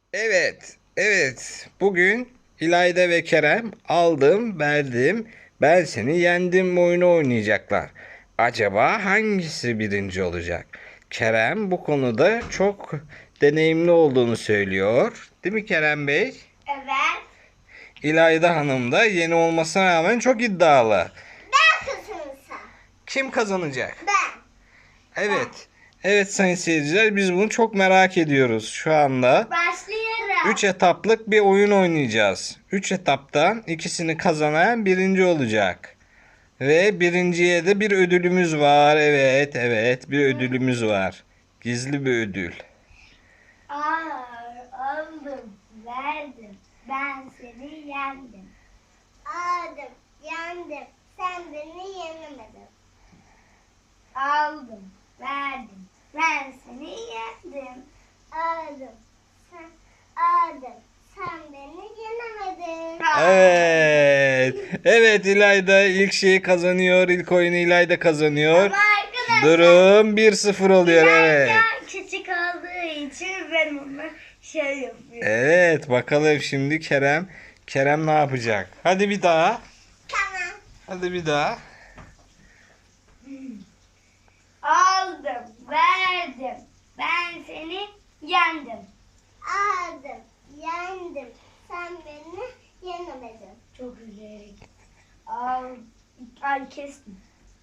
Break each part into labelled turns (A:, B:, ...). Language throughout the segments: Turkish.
A: Evet, evet. Bugün İlayda ve Kerem aldım, verdim, ben seni yendim oyunu oynayacaklar. Acaba hangisi birinci olacak? Kerem bu konuda çok deneyimli olduğunu söylüyor. Değil mi Kerem Bey?
B: Evet.
A: İlayda Hanım da yeni olmasına rağmen çok iddialı.
B: Ben kazanırsam.
A: Kim kazanacak?
B: Ben.
A: Evet. Evet sayın seyirciler, biz bunu çok merak ediyoruz şu anda.
B: Başlıyorum.
A: 3 etaplık bir oyun oynayacağız. 3 etaptan ikisini kazanan birinci olacak. Ve birinciye de bir ödülümüz var. Evet, evet, bir ödülümüz var. Gizli bir ödül.
B: Aldım, verdim. Ben seni yendim. Aldım, yendim. Sen beni yenemedin. Aldım, verdim. Ben seni yendim. Aldım. Sen beni yenemedin.
A: Evet. Evet, İlayda ilk şeyi kazanıyor. İlk oyunu İlayda kazanıyor.
B: Ama arkadaşlar.
A: Durum 1-0 oluyor. Evet.
B: İlerken küçük olduğu için ben ona şey yapıyorum.
A: Evet, bakalım şimdi Kerem ne yapacak? Hadi bir daha.
B: Tamam.
A: Hadi bir daha.
B: Aldım, verdim. Ben seni yendim. Aldım, yendim. Sen beni yenemedin. Çok güzel. Ay kestim.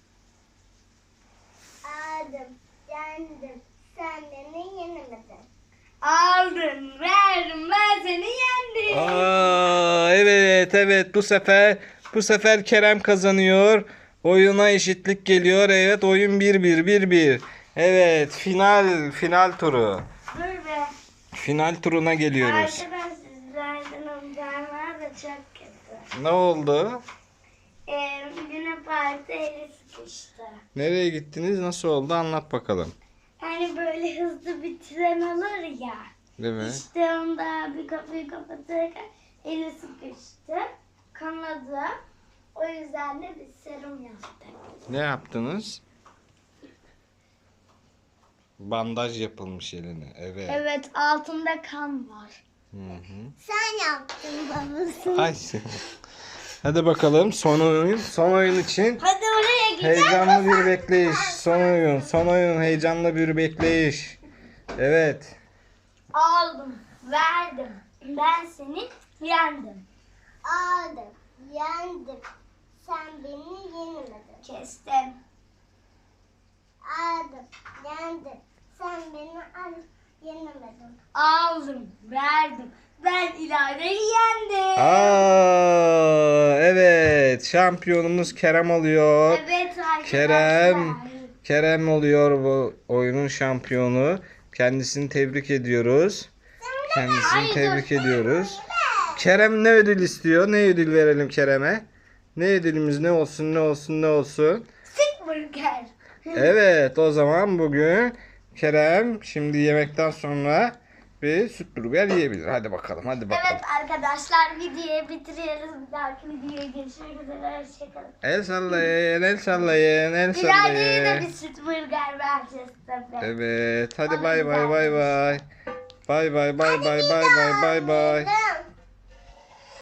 B: Aldım, yendim. Sen beni yenemedin. Aldım, verdim. Ben seni yendim.
A: Aa, evet evet, bu sefer Kerem kazanıyor. Oyuna eşitlik geliyor. Evet, oyun 1-1. Evet, final turu.
B: Dur be.
A: Final turuna geliyoruz.
B: Arkadaşlar sizlerden amcamlar da çok kötü.
A: Ne oldu?
B: Güne parti eli sıkıştı.
A: Nereye gittiniz? Nasıl oldu? Anlat bakalım.
B: Hani böyle hızlı bir tren alır ya.
A: Değil mi?
B: İşte onda bir kapıyı kapatırken eli sıkıştı. Kanadı. O yüzden de bir serum yaptık.
A: Ne yaptınız? Bandaj yapılmış eline. Evet.
B: Evet, altında kan var.
A: Hı hı.
B: Sen yaptın babası.
A: Ay. Hadi bakalım, son oyun için.
B: Hadi oraya gidelim.
A: Heyecanlı bir bekleyiş. Son oyun heyecanlı bir bekleyiş. Evet.
B: Aldım, verdim. Ben seni yendim. Aldım, yendim. Sen beni yenemedin. Kestim. Aldım, yendim. Sen beni yenemedin. Aldım, verdim. Ben İlayda'yı yendim.
A: Evet. Şampiyonumuz Kerem oluyor.
B: Evet arkadaşlar.
A: Kerem oluyor bu oyunun şampiyonu. Kendisini tebrik ediyoruz. Kendisini tebrik ediyoruz. Kerem ne ödül istiyor? Ne ödül verelim Kerem'e? Ne ödülümüz ne olsun?
B: Sık burger.
A: Evet, o zaman bugün Kerem şimdi yemekten sonra bir süt burger yiyebilir. Hadi bakalım.
B: Evet arkadaşlar, videoyu bitiriyoruz. Bir dahaki videoya görüşmek üzere. Hoşçakalın.
A: El sallayın, el sallayın, el
B: İlayda'ya da
A: sallayın.
B: bir süt burger vereceğiz tabii.
A: Evet, hadi bay bay. Bay bay bay bay bay bay bay bay.